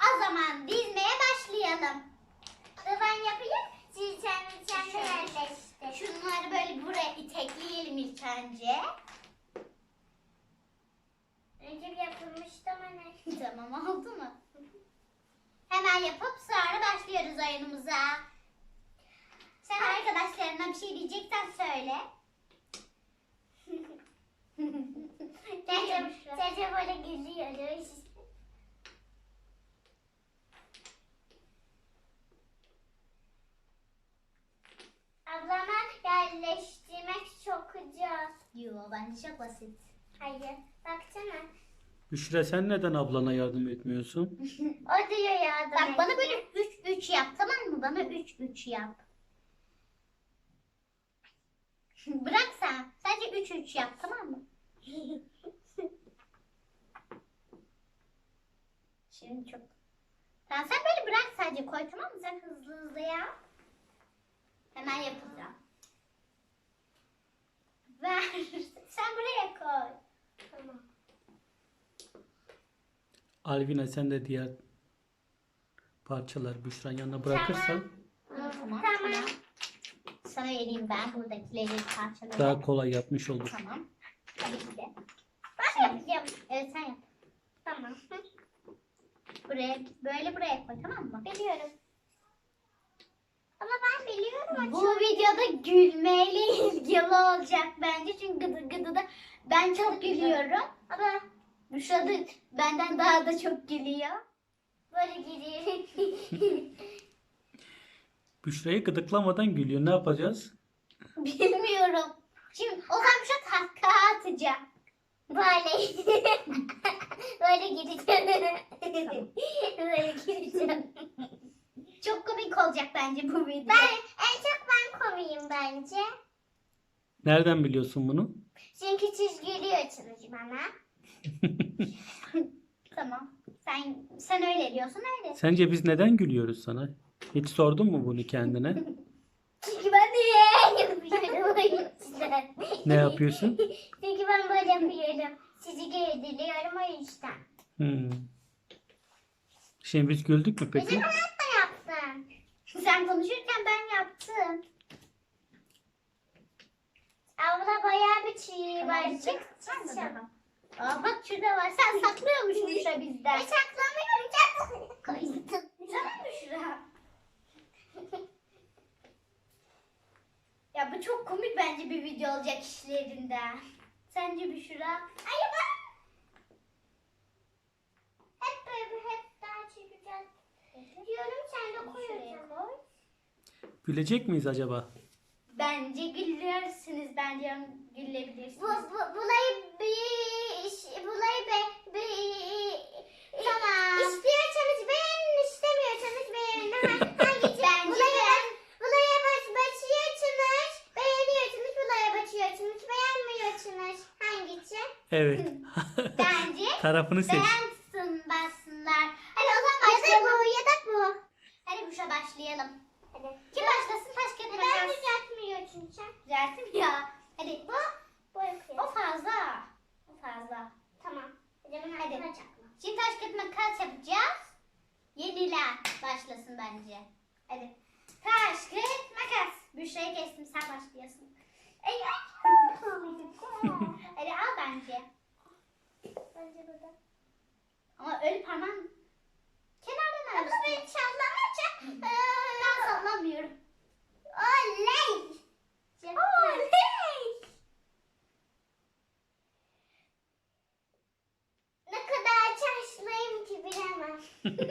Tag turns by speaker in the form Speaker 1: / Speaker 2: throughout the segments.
Speaker 1: O zaman dizmeye başlayalım.
Speaker 2: Ben yapayım. Siz kendi yerleştir.
Speaker 1: Şunları böyle buraya itekleyelim ilk önce.
Speaker 2: Önce bir yapılmıştı ama ne?
Speaker 1: Tamam, oldu mu? Hemen yapıp sonra başlıyoruz oyunumuza. Sen arkadaşlarına bir şey diyeceksen söyle.
Speaker 2: Cece böyle geliyor. Ablama yerleştirmek çok zor.
Speaker 1: Yo, bence çok basit.
Speaker 2: Hayır. Baksana.
Speaker 3: Büşra sen neden ablana yardım etmiyorsun?
Speaker 2: O diyor yardım
Speaker 1: Bak bana
Speaker 2: et.
Speaker 1: böyle 3-3 yap, tamam mı? Bana 3-3 yap. Bırak sen. Sadece 3-3 yap, tamam mı? Şimdi çok... Tamam, sen böyle bırak sadece, koy, tamam mı? Sen hızlı hızlı yap. Hemen yapacağım. Ver. Sen buraya koy.
Speaker 2: Tamam.
Speaker 3: Alvina sen de diğer parçalar Büşra'nın yanına bırakırsan
Speaker 1: Tamam.
Speaker 2: Tamam.
Speaker 1: Sana vereyim ben buradakileri parçaları.
Speaker 3: daha kolay yapmış olur.
Speaker 1: Tamam. Tabii ki de.
Speaker 2: Ben yapacağım.
Speaker 1: Evet, sen yap.
Speaker 2: Tamam.
Speaker 1: Buraya, böyle buraya koy, tamam mı?
Speaker 2: Biliyorum. Ama ben biliyorum.
Speaker 1: Bu videoda gülmeyle ilgili olacak bence. Çünkü gıdı gıdı da ben çok gülüyorum. Ama Büşra da benden daha da çok gülüyor.
Speaker 2: Böyle gidiyor.
Speaker 3: Büşra'yı gıdıklamadan gülüyor. Ne yapacağız?
Speaker 1: Bilmiyorum. Şimdi o zaman Büşra kahkaha atacak.
Speaker 2: Böyle. Böyle gideceğim. Böyle gideceğim.
Speaker 1: Çok komik olacak bence bu video.
Speaker 2: En çok ben komiyim bence.
Speaker 3: Nereden biliyorsun bunu?
Speaker 2: Çünkü çizgili açılır bana.
Speaker 1: Tamam. Sen öyle diyorsun, öyle.
Speaker 3: Sence biz neden gülüyoruz sana? Hiç sordun mu bunu kendine?
Speaker 2: Çünkü ben de yapıyorum o yüzden.
Speaker 3: Ne yapıyorsun?
Speaker 2: Çünkü ben böyle yapıyorum. Sizi girdiriyorum o yüzden.
Speaker 3: Şimdi biz güldük mü peki?
Speaker 2: Bizim hayatta yaptım.
Speaker 1: Sen konuşurken ben yaptım.
Speaker 2: Abla bayağı bir çiğ var.
Speaker 1: Tamam,
Speaker 2: Çık
Speaker 1: sen de
Speaker 2: çık.
Speaker 1: daha. Aa, bak şurada var. Sen saklıyormuşsun Büşra bizden.
Speaker 2: Ben saklamıyorum. Çok
Speaker 1: Koydum. Tamam Büşra. Ya bu çok komik bence bir video olacak işlerinden. Sence Büşra?
Speaker 2: Hayır ben. Hep böyle hep daha çekeceğiz. Diyorum sen de koyacaksın.
Speaker 3: Gülecek miyiz acaba?
Speaker 1: Bence gülürsünüz. Bence gülebilirsiniz. Tamam.
Speaker 2: İstiyorsanız beğenin, istemiyorsanız beğenin. Hangisi? Başlıyorsunuz, beğeniyorsunuz, başlıyorsunuz, beğenmiyorsunuz. Hangisi?
Speaker 3: Evet.
Speaker 1: Bence
Speaker 3: Tarafını seç.
Speaker 1: bassınlar. Hadi o zaman başlayalım.
Speaker 2: Ya da bu.
Speaker 1: Hadi Büşra başlayalım.
Speaker 2: Hadi.
Speaker 1: Kim başlasın? Taş kağıt
Speaker 2: Neden
Speaker 1: makas.
Speaker 2: düzeltmiyorsun sen?
Speaker 1: Düzelttim ya. Hadi.
Speaker 2: Bu yapıyor.
Speaker 1: O fazla. O fazla.
Speaker 2: Tamam. Hadi.
Speaker 1: Hadi. Şimdi taş kağıt makas yapacağız. Yenilen başlasın bence. Hadi. Taş kağıt makas. Büşra'yı kestim, sen başlıyorsun. Hadi al bence.
Speaker 2: Bence burada.
Speaker 1: Ama öyle parmağın kenardan
Speaker 2: Ama
Speaker 1: al.
Speaker 2: ben sallamayacağım.
Speaker 1: Ben sallamıyorum.
Speaker 2: Oley.
Speaker 1: Oley.
Speaker 2: Ne kadar çalışmayayım ki bilemem.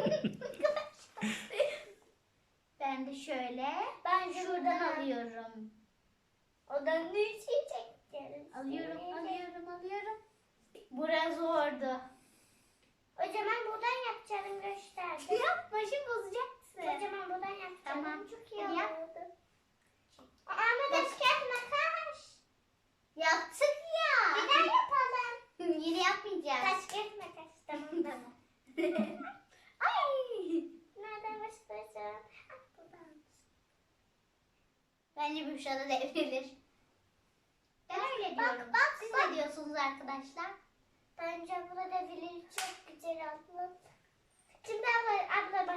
Speaker 1: Ben de şöyle.
Speaker 2: Ben
Speaker 1: Şuradan alıyorum.
Speaker 2: Odan ne çekeceğiz?
Speaker 1: Alıyorum. Burası zordu.
Speaker 2: O zaman buradan yapacağım gösterdim.
Speaker 1: Yapma, şimdi bozacaksın.
Speaker 2: O zaman buradan yapacağım.
Speaker 1: Tamam.
Speaker 2: Çok iyi
Speaker 1: Hadi yap.
Speaker 2: oldu. Ama da çıkart makas.
Speaker 1: Yaptık ya.
Speaker 2: Bir daha yapalım.
Speaker 1: Yine yapmayacağız.
Speaker 2: Taş kağıt makas. Tamam.
Speaker 1: Ay.
Speaker 2: Nereden başlayacağım? Buradan.
Speaker 1: Bence Büşra da devrilir. Ben öyle
Speaker 2: Bak,
Speaker 1: diyorum.
Speaker 2: bak,
Speaker 1: Siz
Speaker 2: bak.
Speaker 1: ne diyorsunuz arkadaşlar?
Speaker 2: Bence burada bilir çok güzel oldu. Şimdi ama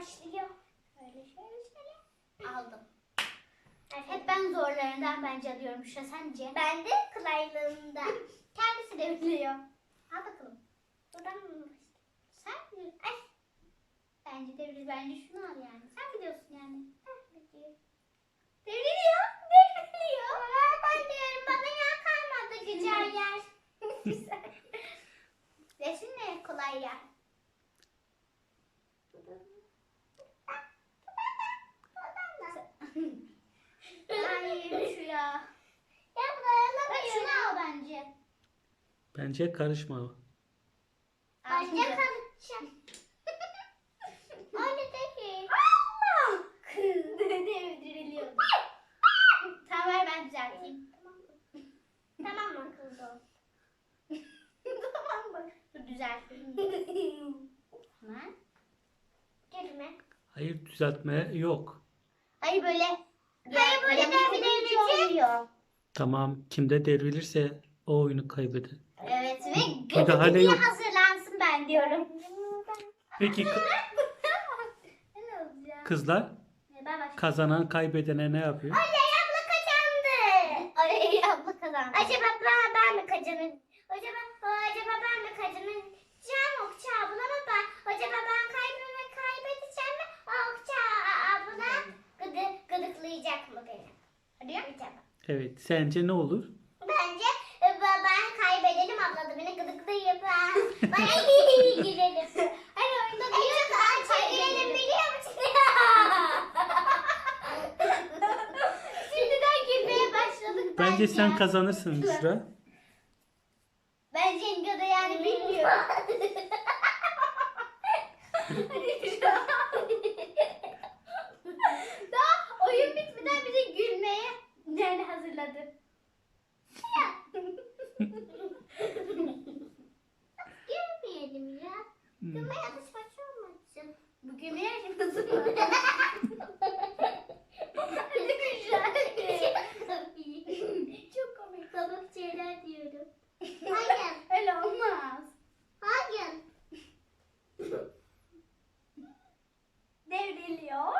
Speaker 2: başlıyor. Şöyle.
Speaker 1: Aldım. Hep ben zorlarından bence alıyorum. Şu sence?
Speaker 2: Ben de kolaylığında.
Speaker 1: Kendisi de biliyor. Al bakalım.
Speaker 2: Buradan mı?
Speaker 1: Sen bil. Ay. Bence devir. Bence şunu al yani. Sen biliyorsun yani. Devriliyor. Devriliyor.
Speaker 2: Ben diyorum bana yer kalmadı güzel yer.
Speaker 1: Güzel. Resim ne kolay ya. Hayır şu ya.
Speaker 2: Ya
Speaker 1: Bak şunu
Speaker 2: dayanamıyorum.
Speaker 1: al bence.
Speaker 3: Bence karışma.
Speaker 2: Bence kalacağım. Öyle değil.
Speaker 1: Allah! Devriliyor. Tamam ver ben düzelteyim.
Speaker 2: Tamam mı kızım?
Speaker 1: Tamam mı? Dur düzelteyim. Hemen.
Speaker 2: Girme.
Speaker 3: Hayır, düzeltme yok.
Speaker 1: Hayır böyle.
Speaker 2: Hayır, böyle devrilince-
Speaker 1: oluyor.
Speaker 3: Tamam, kimde devrilirse o oyunu kaybeder.
Speaker 1: Evet ve
Speaker 3: Müdahale
Speaker 1: gıdıklıya
Speaker 3: yok.
Speaker 1: hazırlansın ben diyorum.
Speaker 3: Peki
Speaker 1: Ne olacak?
Speaker 3: kızlar,
Speaker 1: Ben başlayayım.
Speaker 3: kazanan kaybedene ne yapıyor?
Speaker 2: Oley abla kazandı.
Speaker 1: Ay abla kazandı.
Speaker 2: Acaba ben mi kazanacağım? Acaba ben mi kazanacağım? Okça abla mı ben? Acaba ben kaybedeceğim mi? Okça abla gıdıklayacak mı beni?
Speaker 1: Hadi yap.
Speaker 2: Acaba.
Speaker 3: Evet, sence ne olur?
Speaker 2: Bence ben kaybedelim abla da beni gıdıklayıp bana iyi girelim.
Speaker 1: Hadi oyunda
Speaker 2: En çok girelim biliyor musun?
Speaker 1: Şimdiden gülmeye başladık
Speaker 3: Bence sen kazanırsın Büşra.
Speaker 1: Bence Inga da yani bilmiyor. Daha oyun bitmeden bize gülmeye yani hazırladı.
Speaker 2: Girmeyelim ya. Gülme yazışması olmasın.
Speaker 1: Bu gülmeye hazır mı?
Speaker 2: Çok komik komik şeyler diyorum. Hayır.
Speaker 1: Öyle olmaz.
Speaker 2: Hayır.
Speaker 1: Devriliyor.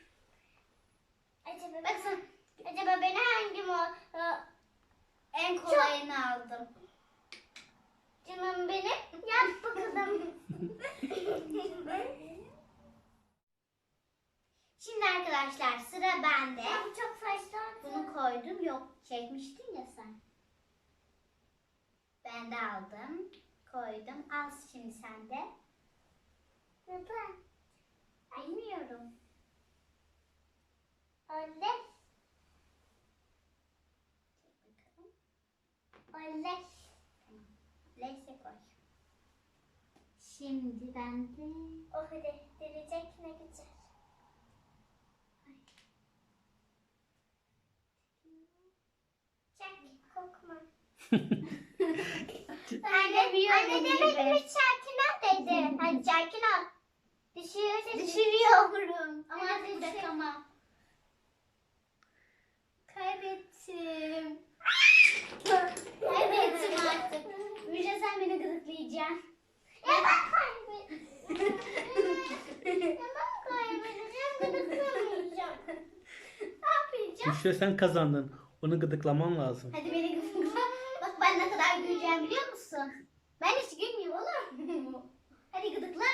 Speaker 2: Acaba beni hangi
Speaker 1: En kolayını aldım.
Speaker 2: canım benim? Yap bakalım.
Speaker 1: Şimdi arkadaşlar sıra bende.
Speaker 2: Bu çok saçma.
Speaker 1: Bunu koydum. Yok çekmiştin ya sen. Ben de aldım. Koydum. Al şimdi sen de.
Speaker 2: Neden?
Speaker 1: Bilmiyorum.
Speaker 2: Öyle. Öyle.
Speaker 1: Neyse koy. Şimdi ben de...
Speaker 2: Oh hadi derecek ne güzel. Çak kokma.
Speaker 1: Anne biliyorum
Speaker 2: Anne
Speaker 1: gibi.
Speaker 2: demedim hiç sakin ol dedi. Hadi sakin ol. Düşüyorsa
Speaker 1: Düşürüyorum. Ama
Speaker 2: Hadi
Speaker 1: siz de
Speaker 2: düşür.
Speaker 1: tamam. Kaybettim. Kaybettim artık. Müjde sen beni gıdıklayacaksın.
Speaker 2: Ya ben kaybedeceğim. Ya ben kaybedeceğim. Gıdıklamayacağım.
Speaker 1: Ne yapacağım?
Speaker 3: Büşra, sen kazandın. Onu gıdıklaman lazım.
Speaker 1: Hadi beni gıdıkla. Bak ben ne kadar güleceğim biliyor musun? Ben hiç gülmüyorum olur. Hadi gıdıkla.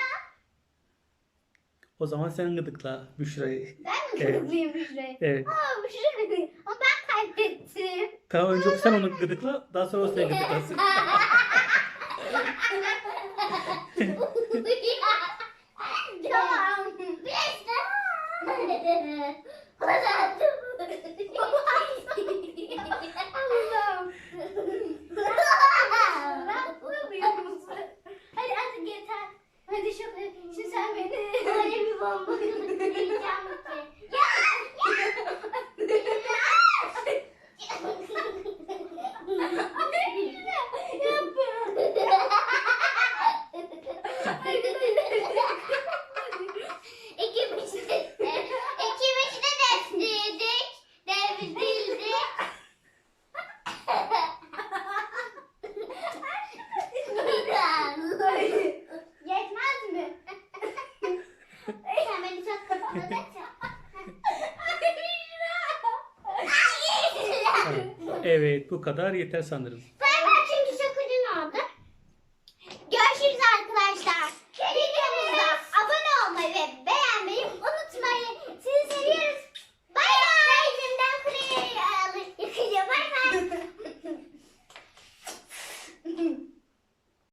Speaker 3: O zaman sen gıdıkla Büşra'yı.
Speaker 1: Ben mi
Speaker 3: Evet.
Speaker 1: gıdıklayayım Büşra'yı?
Speaker 3: Evet.
Speaker 1: Aa Büşra. Ama ben kaybettim.
Speaker 3: Tamam, önce sen onu gıdıkla, daha sonra o seni gıdıklasın.
Speaker 1: Tamam. Allah'ım. Yapmıyor musun? Hadi artık yeter. Hadi şimdi sen beni.
Speaker 2: Öyle bir bomba gıdıklayacağım ki. İkimiz de devrildik. Devrildik.
Speaker 1: Yetmez mi?
Speaker 2: Sen beni
Speaker 3: Evet, bu kadar yeter sanırım.